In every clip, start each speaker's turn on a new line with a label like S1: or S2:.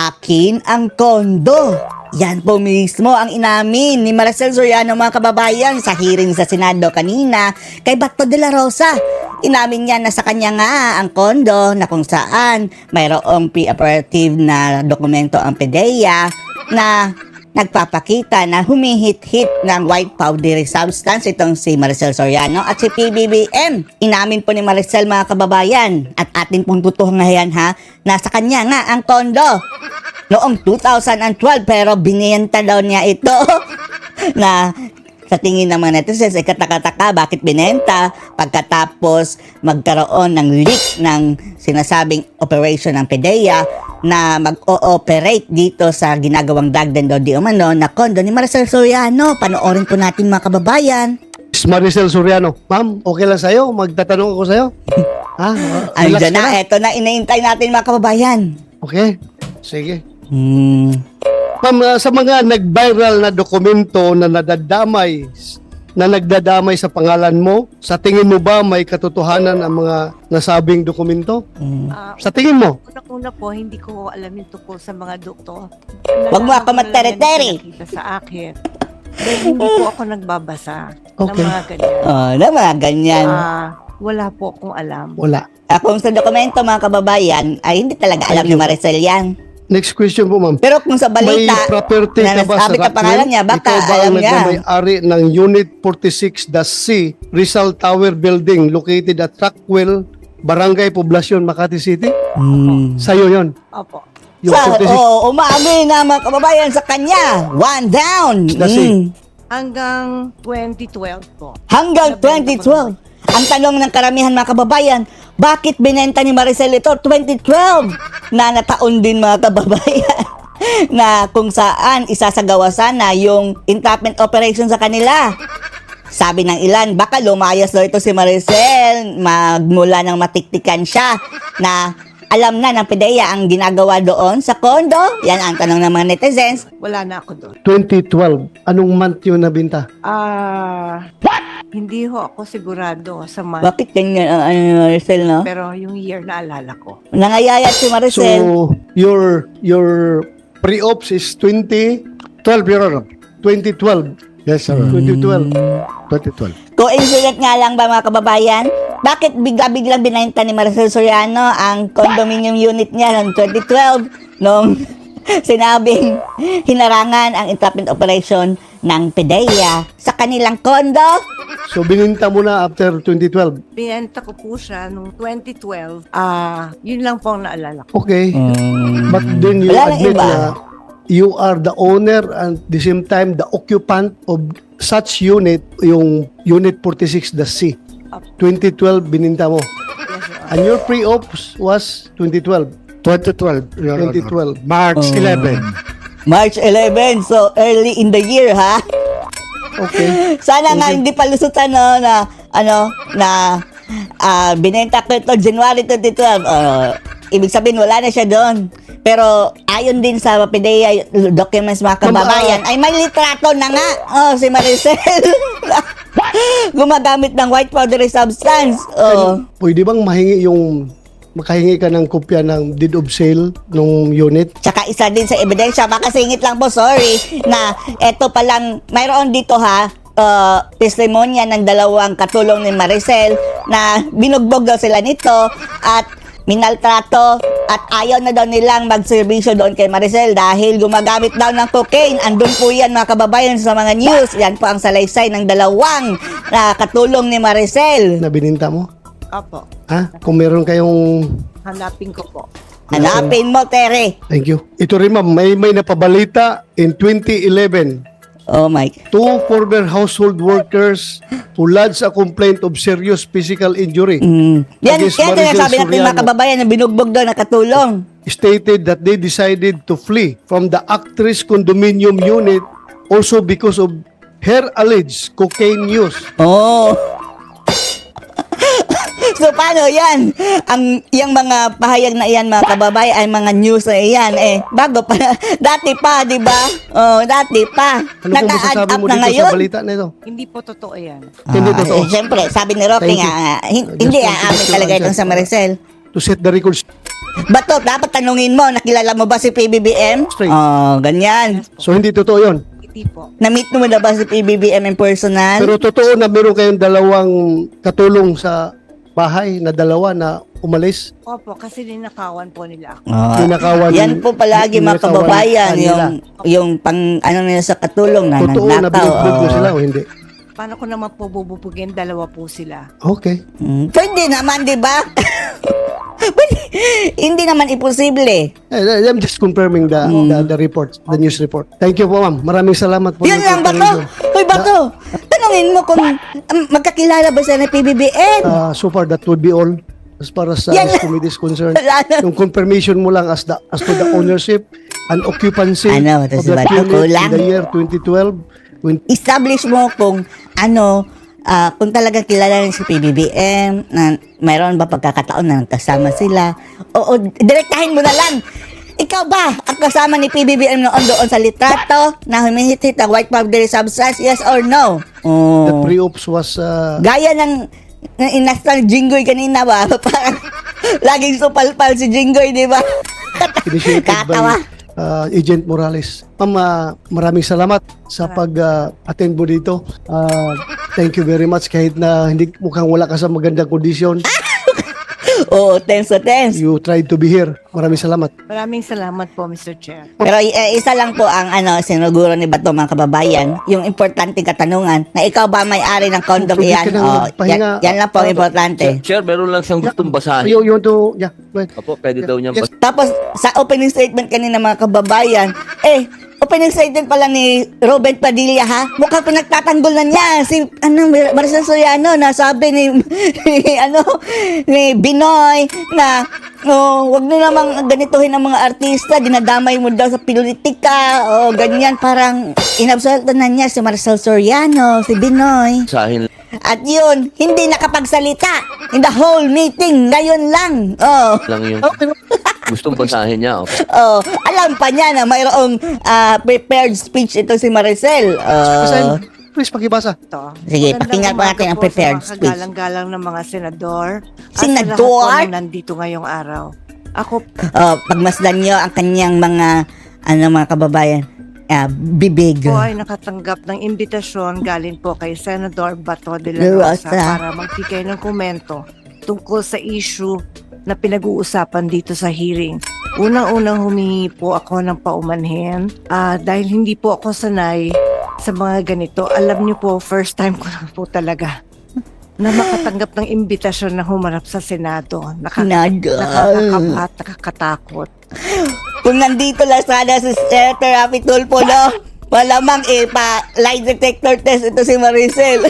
S1: Akin ang kondo. Yan po mismo ang inamin ni Maricel Soriano, mga kababayan, sa hearing sa Senado kanina kay Bato de la Rosa. Inamin niya na sa kanya nga ang kondo na kung saan mayroong pre-operative na dokumento ang PDEA na nagpapakita na humihit-hit ng white powdery substance itong si Maricel Soriano at si PBBM. Inamin po ni Maricel, mga kababayan, at atin pong tutuhangayan ha, na sa kanya nga ang kondo noong 2012 pero binenta daw niya ito na sa tingin ng mga netizens ay kataka-taka bakit binenta pagkatapos magkaroon ng leak ng sinasabing operation ng PDEA na mag-ooperate dito sa ginagawang dagdan daw di umano na kondo ni Maricel Soriano. Panoorin po natin, mga kababayan.
S2: Maricel Soriano, ma'am, okay lang sa'yo? Magtatanong ako sa'yo. Ha?
S1: Ay,
S2: Relax
S1: dyan
S2: ka
S1: na, eto na, inaintay natin, mga kababayan.
S2: Okay, sige.
S1: Hmm.
S2: Ma'am, sa mga nag-viral na dokumento na nagdadamay sa pangalan mo, sa tingin mo ba may katotohanan ang mga nasabing dokumento? Sa tingin mo?
S3: Una po, hindi ko alam yung tungkol sa mga doktor.
S1: Wag mo ako magtere-tere.
S3: Sa akin. Dahil hindi po ako nagbabasa ng
S2: Okay.
S3: mga ganyan.
S1: Oh, na mga ganyan.
S3: Wala po akong alam.
S2: Wala.
S1: Kung sa dokumento, mga kababayan, ay hindi talaga alam ni Maricel yan.
S2: Next question po, ma'am.
S1: Pero kung sa
S2: May
S1: balita
S2: property
S1: na
S2: ka ba sa
S1: nasabi ka pangalan niya, baka
S2: Ikaw ba
S1: alam
S2: ang
S1: niya.
S2: nagmamayari ng Unit 46-C Rizal Tower Building located at Trackwell, Barangay Poblacion, Makati City? Sa'yo yon.
S3: Opo.
S2: Yung 46.
S1: Umaamin na, mga kababayan, sa kanya. One down.
S2: That's it.
S3: Hanggang 2012 po.
S1: Hanggang 2012. Ang tanong ng karamihan, mga kababayan, bakit binenta ni Maricel ito 2012? Na nataon din, mga kababayan, na kung saan isasagawa sana yung entrapment operation sa kanila. Sabi ng ilan, baka lumayas daw ito si Maricel, magmula ng matiktikan siya na alam na ng PDEA ang ginagawa doon sa kondo. Yan ang tanong ng mga netizens.
S3: Wala na ako doon.
S2: 2012. Anong month yun nabinta?
S3: Hindi ho ako sigurado sa month.
S1: Bakit ganyan ang ni Maricel, no?
S3: Pero yung year na alala ko.
S1: Nangayayat si Maricel.
S2: So, your pre-ops is 2012, Your Honor. 2012. Yes, sir. 2012. 2012.
S1: Coincident nga lang ba, mga kababayan? Bakit bigla-biglang binenta ni Maricel Soriano ang condominium unit niya noong 2012 nung sinabing hinarangan ang entrapment operation ng PDEA sa kanilang kondo?
S2: So, bininta mo na after 2012.
S3: Binenta ko po siya noong 2012. Yun lang po ang naalala ko.
S2: Okay. But then you
S1: Wala nang
S2: admit
S1: iba.
S2: na you are the owner and at the same time the occupant of such unit, yung Unit 46, the C. 2012, bininta mo.
S3: Yes, Your Honor.
S2: And your pre-ops was 2012.
S4: 2012. Your Honor.
S2: 2012.
S4: March 11.
S1: March 11, so early in the year, ha?
S2: Okay.
S1: Sana nga hindi palusutan, no, na binenta ko ito January 2012. Ibig sabihin, wala na siya doon. Pero ayon din sa PDEA documents, mga kababayan, ay may litrato na nga. Si Maricel. Gumagamit ng white powdery substance.
S2: Pwede bang makahingi ka ng kopya ng deed of sale ng unit?
S1: Tsaka isa din sa ebidensya, makasingit lang po, sorry, na eto palang, mayroon dito ha, testimonya ng dalawang katulong ni Maricel na binugbog daw sila nito at minaltrato at ayaw na daw nilang magserbisyo doon kay Maricel dahil gumagamit daw ng cocaine. Andun po yan, mga kababayan, sa mga news. Yan po ang salaysay ng dalawang katulong ni Maricel.
S2: Na bininta mo?
S3: Opo.
S2: Ha? Kung meron kayong...
S3: Hanapin ko po.
S1: Hanapin mo, Tere.
S2: Thank you. Ito rin, ma'am, may napabalita in 2011.
S1: Oh my.
S2: 2 former household workers who lodged a complaint of serious physical injury
S1: Yan,
S2: against
S1: yan
S2: Maricel
S1: sinasabi natin, mga
S2: Soriano
S1: kababayan, na binugbog daw na katulong.
S2: stated that they decided to flee from the actress condominium unit also because of her alleged cocaine use.
S1: Oh. So paano yan? Yung mga pahayag na iyan, mga kababay, ay mga news na iyan. Bago pa, dati pa, di ba? Oh, dati pa.
S2: Ano po
S1: Naka-add
S2: masasabi
S1: up
S2: mo
S1: na
S2: dito
S1: ngayon.
S2: sa balita na ito?
S3: Hindi po totoo yan.
S2: Hindi totoo.
S1: Siyempre, sabi ni Roque
S2: Thank you.
S1: nga, hindi
S2: Just
S1: aamin
S2: to
S1: talaga
S2: answer.
S1: itong sa Maricel.
S2: To set the records.
S1: Bato, dapat tanungin mo, nakilala mo ba si PBBM?
S2: Straight.
S1: Oh, ganyan.
S2: So hindi totoo yun.
S3: Hindi po.
S1: Na-meet mo na ba si PBBM in personal?
S2: Pero totoo na meron kayong dalawang katulong sa bahay na dalawa na umalis.
S3: Opo, kasi ninakawan po nila ako.
S1: Ah,
S2: Ninakawan-
S1: yan po palagi mga
S2: ninakawan
S1: kababayan,
S2: kanila.
S1: yung pang ano nila sa katulong na
S2: Totoo na
S1: nagnakaw.
S2: binugbog mo
S1: oo.
S2: sila o hindi?
S3: Paano ko naman po bububugin? Dalawa po sila.
S2: Okay.
S1: Pwede naman, di ba? Pwede. Hindi naman imposible.
S2: I'm just confirming the report, the news report. Thank you po, ma'am. Maraming salamat po.
S1: Yan lang, Bato. Hoy, Bato. Tanungin mo kung magkakilala ba siya ng PBBM?
S2: So far, that would be all as far as
S1: Yan.
S2: committee is concerned.
S1: Wala na.
S2: Yung confirmation mo lang as to the ownership and occupancy
S1: Ano, ito
S2: of
S1: si
S2: that
S1: Bato,
S2: unit
S1: kulang.
S2: in the year 2012. When
S1: Establish mo kung kung talagang kilala rin si PBBM, na mayroon ba pagkakataon na nagkasama sila, o direktahin mo na lang. Ikaw ba ang kasama ni PBBM noon doon sa litrato na humihit-hit ang white powdery substance, yes or no?
S2: the
S1: Oh.
S2: pre-ops was
S1: Gaya ng inasal Jinggoy kanina ba? Parang laging supalpal si Jinggoy, di ba?
S2: initiated
S1: Katawa.
S2: by Agent Morales. Ma'am, maraming salamat sa pag-attend mo dito. Thank you very much kahit na hindi mukhang wala ka sa magandang kondisyon.
S1: Oo, tense to tense.
S2: You tried to be here. Maraming salamat.
S3: Maraming salamat po, Mr. Chair.
S1: Pero isa lang po ang sinuguro ni Bato mga kababayan, yung importante katanungan na ikaw ba may-ari ng kondom
S2: Pwede
S1: iyan?
S2: ka nang
S1: Oh,
S2: magpahinga.
S1: yan lang po ang importante.
S5: Sir, meron lang siyang gustong basahin.
S2: You want to, yeah, go ahead.
S5: Opo, pwede daw niyang
S2: Yes.
S5: basahin.
S1: Tapos sa opening statement kanina mga kababayan, opening statement pala ni Robert Padilla ha, mukhang pinagtatanggol na niya si Maricel Soriano na sabi ni ni Binoy na wag na namang ganituhin ang mga artista, dinadamay mo daw sa politika o ganyan, parang inabsolto na niya si Maricel Soriano, si Binoy.
S5: Basahin
S1: At yun, hindi nakapagsalita in the whole meeting, ngayon lang. Oh.
S5: lang yung gustong basahin niya. Opo.
S1: Oh, alam pa niya na mayroong prepared speech ito si Maricel.
S2: Basahin. Please, pakibasa.
S3: Ito.
S1: Sige,
S3: Magandang
S1: pakinggan po
S3: umaga
S1: natin ang
S3: po
S1: prepared
S3: sa mga
S1: speech.
S3: kagalang-galang ng mga senador.
S1: Senador?
S3: At sa lahat po na nandito ngayong araw. Ako
S1: Pagmasdan niyo ang kanyang mga mga kababayan, bibig.
S3: po ay nakatanggap ng imbitasyon galing po kay Senador Bato de la
S1: De
S3: Rosa
S1: Rosa.
S3: para magbigay ng komento tungkol sa issue na pinag-uusapan dito sa hearing. Unang-unang humingi po ako ng paumanhin dahil hindi po ako sanay sa mga ganito. Alam niyo po, first time ko na po talaga na makatanggap ng imbitasyon na humarap sa Senado.
S1: Nado.
S3: Nakakakapat, nakakatakot.
S1: Kung nandito lang sana si Senator Rafi Tulfo, no? Malamang lie detector test ito si Maricel.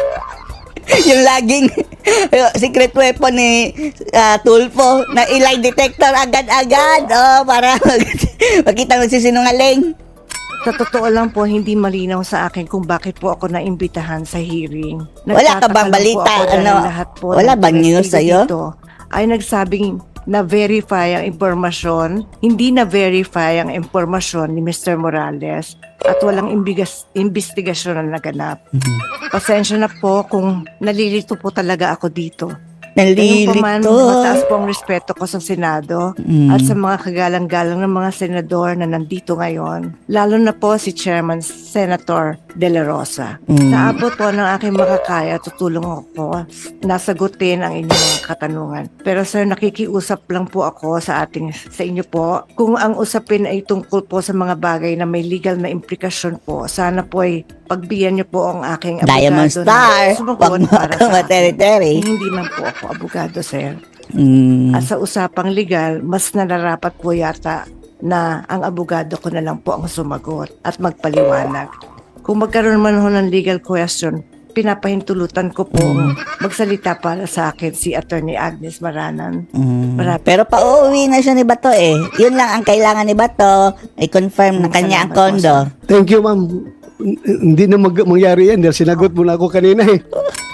S1: Yung laging secret weapon ni Tulfo na lie detector agad-agad. Para makita mo si sinungaling.
S3: Sa totoo lang po, hindi malinaw sa akin kung bakit po ako naimbitahan sa hearing.
S1: Wala ka bang
S3: Nagtataka lang po
S1: balita?
S3: ako dahil
S1: Ano?
S3: lahat po
S1: Wala
S3: ng
S1: bang news
S3: testigo
S1: sa'yo?
S3: dito ay nagsabing na-verify ang impormasyon, hindi na-verify ang impormasyon ni Mr. Morales at walang investigasyon na naganap. Pasensya na po kung nalilito po talaga ako dito. Ngayong pa man, mataas po ang respeto ko sa Senado at sa mga kagalang-galang ng mga senador na nandito ngayon, lalo na po si Chairman Senator De La Rosa. Sa abot po ng aking makakaya, tutulong ako nasagutin ang inyong mga katanungan. Pero sir, nakikiusap lang po ako sa inyo po. Kung ang usapin ay tungkol po sa mga bagay na may legal na implikasyon po, sana po ay pagbigyan niyo po ang aking abogado
S1: Diamond Star.
S3: na sumagot
S1: Wag mo
S3: para
S1: kang
S3: sa akin.
S1: materi-teri.
S3: Hindi man po ako abogado, sir.
S1: Mm.
S3: At sa usapang legal, mas nararapat po yata na ang abogado ko na lang po ang sumagot at magpaliwanag. Kung magkaroon man ho ng legal question, pinapahintulutan ko po magsalita para sa akin si Attorney Agnes Maranan. Marami.
S1: Pero pauwi na siya ni Bato eh. Yun lang ang kailangan ni Bato. I-confirm na kanya ang
S3: Salamat po,
S1: kondo.
S2: Thank you, ma'am. Hindi na mangyari yan dahil sinagot mo na ako kanina eh.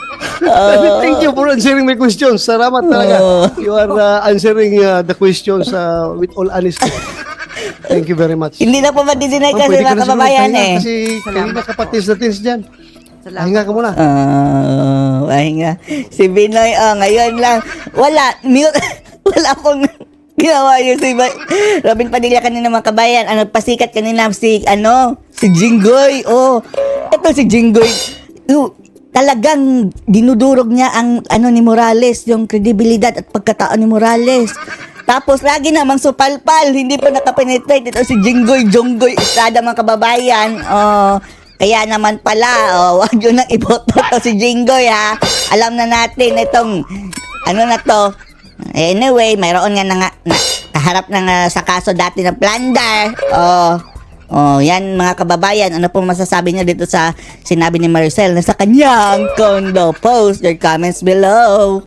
S2: Thank you for answering my questions. Salamat talaga. You are answering the questions with all honesty. Thank you very much.
S1: Hindi na po madidinay
S2: Ma'am,
S1: kasi
S2: pwede ka
S1: mga
S2: na siguro
S1: kababayan
S2: magpahinga
S1: eh.
S2: Kasi kanina kapatis na tins dyan.
S3: Salamat
S2: Pahinga ka
S3: po.
S2: muna.
S1: Pahinga. Si Binoy, ngayon lang. Wala, mute. Wala akong Ginawa niyo si Robin Padilla kanina mga kabayan. Ano, pasikat kanina si Jinggoy. Oh, eto si Jinggoy. Talagang dinudurog niya ang ni Morales, yung kredibilidad at pagkatao ni Morales. Tapos lagi namang supalpal, hindi pa nakapenetrate ito si Jonggoy Estrada mga kababayan. Oh, kaya naman pala, wag yun nang iboto to si Jinggoy ha. Alam na natin itong na to. Anyway, mayroon nga na kaharap na sa kaso dati ng plunder. Yan mga kababayan, ano pong masasabi niya dito sa sinabi ni Maricel na sa kanyang condo? Post your comments below.